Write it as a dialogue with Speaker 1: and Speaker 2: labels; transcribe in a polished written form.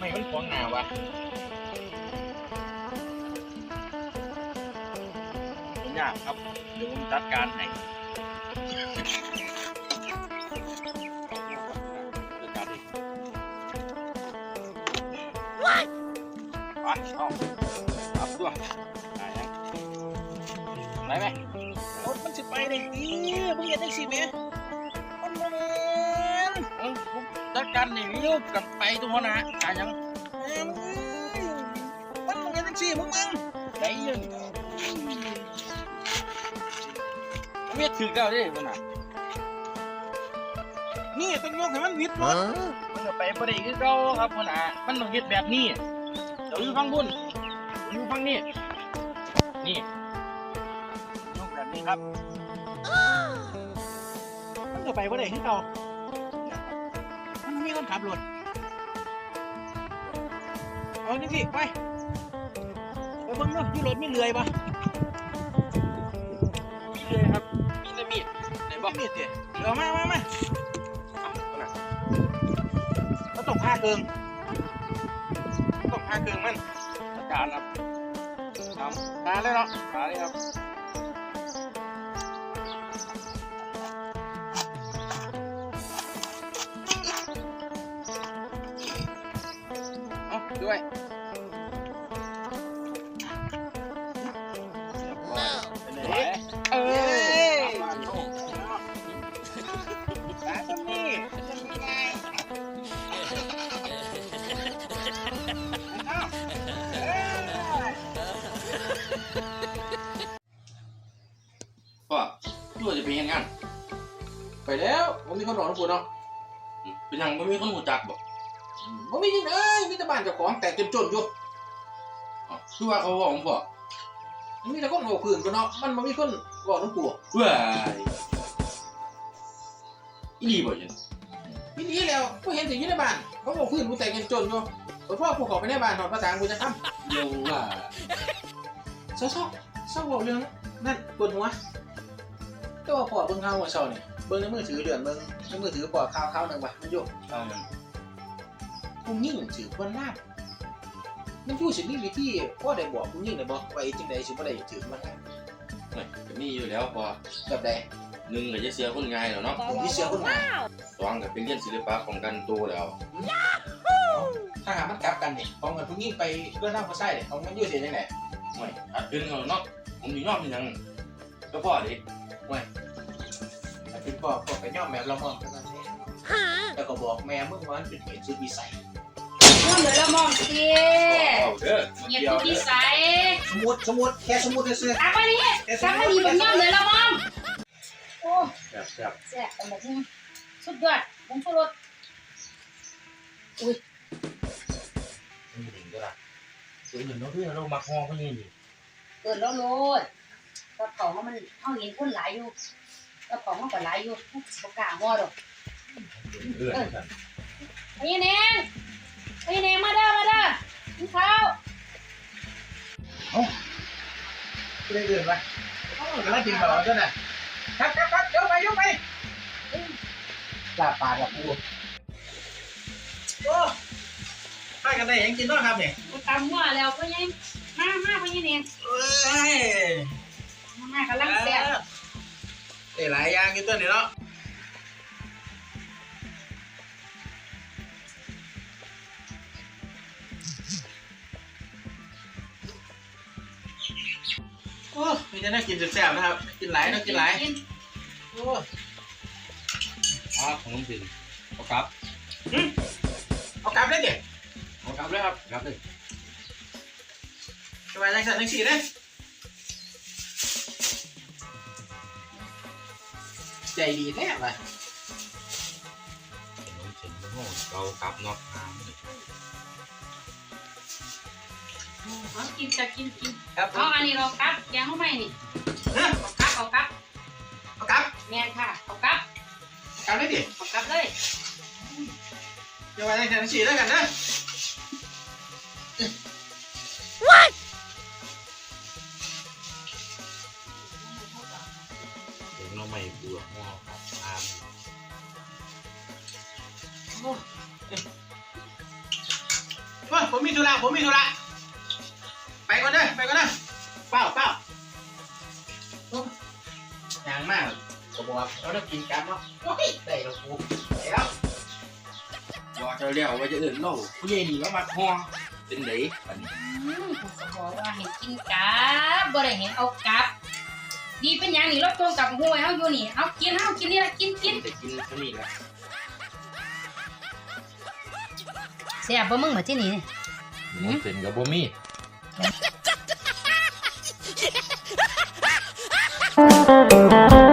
Speaker 1: ไม่มันของหนาวะผมอยากครับเดี๋ยวผมจัดการให้จัดการดิไปเอาครับด้วยไหนไหมรถมันจะไปได้ดีมึงเห็นได้สิเมมันโมเมนผมจัดการนี่วิวกับไปตัวนะการยังมันมึงเห็นได้สิมึงได้ยังเวียดถึงแล้วดิมันอ่ะนี่ต้องยกให้มันวิดรถมันจะไปประเดี๋ยวเราครับมันอ่ะมันต้องวิดแบบนี้เดี๋ยวอยู่ฟังบุญอยู่ฟังนี่นี่ยกแบบนี้ครับมันจะไปประเดี๋ยวเรามันมีคนขับรถเอานี่สิไปเบิ่งเนาะอยู่รถไม่เลื่อยปะมีเลื่อยครับมีแต่มีดไหนบอกมีดเดี๋ยวมาก็ต้องผ้าเกิงมันอาจารย์ครับทาเลยเนาะทาเลยครับเอาด้วยเอ้ยร้านตรงนี้ไงพ่อตัวจะไปยังงานไปแล้วผมมีคนรอทุกคนเนาะเป็นยังไม่มีคนหูจักบอกผมมีจริงเลยมีแต่บ้านเจ้าของแต่จนอยู่คือว่าเขาบอกผมบอกมีแต่คนโง่ขืนกันเนาะมันมีคนบอกน้องปู่ว้ายอีดีบ่ยังอีดีแล้วกูเห็นถึงยี่ในบ้านเขาโง่ขืนกูแต่จนอยู่พ่อกูขอไปในบ้านหน่อยภาษากูจะทำเร็วว่าเศร้าบอกเรื่องนั่นปวดหัวก็ว่าพ่อเบิ่งข่าวหัวเศร้าเนี่ยเบิ่งในมือถือเดือนเบิ่งในมือถือพ่อข่าวหนึ่งว่ะมันอยู่กูยิ่งถือคนลาบมันพูดสิมีวิธีพ่อได้บอกกูยิ่งได้บอกไว้จังใดสิบ่ได้ถือมันก็มีอยู่แล้วพอแบบใดหนึ่งก็จะเสียคนง่ายแล้วเนาะที่เสียคนง่ายสองก็เป็นเรียนศิลปะป้องกันตัวแล้วถ้าหามันกลับกันนี่ป้องกันผู้ยิ่งไปเพื่อนร่างผู้ชายเนี่ยของมันอยู่เสียจังไดไม่ขัดขึ้นเขาเนาะผมอยู่ยอมเป็นยังก็พ่อดิไม่ถ้าเป็นพ่อไปย่อมแบบเรามองกันนี่แต่ก็บอกแม่มึงว่ามันเป็นเหตุสุดวิสัย
Speaker 2: ย่อมเดี๋ยวเรามองสิเหยียดสุดวิสัย
Speaker 1: สมุดแค่สมุดเลยสิ
Speaker 2: อ่ะวันนี้สักวันนี้ผมย่อมเดี๋ยวเรามองโอ้แซ่บแต่หมดสุดยอดผมชูรสอุ้ย
Speaker 1: นี่ถึงก็ละส่วนหนึ่งเราคือเรามักฮอเขาเนี่ยนี่
Speaker 2: เกิดแล้วโลดกระเป๋ามันเอาเห็นคนหลายอยู่กระเป๋ามันก็หลายอยู่ประกาศว่าดอกพี่เนงมาเด้อกินข้าว
Speaker 1: ไม่ได้เดินไปแล้วกินแบบนั้นน่ะครับยกไปลาปากกับปูโอ้ให้กันได้ยังกินด้วยครับเนี่ย
Speaker 2: ตำหัวแล้วก็ยังมาพี่เนงมากำลังแซ่บ
Speaker 1: หลายอย่างกินตัวนี้เนาะโอ้มีแต่น่ากินแซ่บๆนะครับกินหลายนะกินหลายโอ้ของน้องปิ่นเอากลับเลยเด็กเอากลับเลยครับกลับเลยสบายใจสั่นทั้งสี่เลยใจดีแน่เลยน้องเฉินโง่เรากลับนอกทาง
Speaker 2: กินเอาอันนี้เรากับแกงเข้าไปนี่เอากับแม่ค่ะเอากับ
Speaker 1: เลยดิ
Speaker 2: เอากับเลย
Speaker 1: จะไปทางฉี่แล้วกันนะเดี๋ยวเราไม่เบื่อหัวครับว่าผมมีธุระไปก่อนเด้อเปล่าอย่างมากผมบอกเราต้องกินกันเนาะโอ้ยได้แล้วกูได้แล้วบอกเจ้าเลี้ยวว่าจะอื่นเล่าผู้ใหญ่นี่แล้วมาห้องเป็นไหนอันนี้
Speaker 2: ผมก็บอกว่าให้กินกับบ่ได้เห็นเอากับดีเป็นอย่างนี้รถตรงกับห้วยเฮาอยู่นี่เอากินนี่ละกิน
Speaker 1: แต่กินเท่านี้แหละ
Speaker 2: เสียบ่มึงมาที่นี่
Speaker 1: มันเป็นกับบ่มี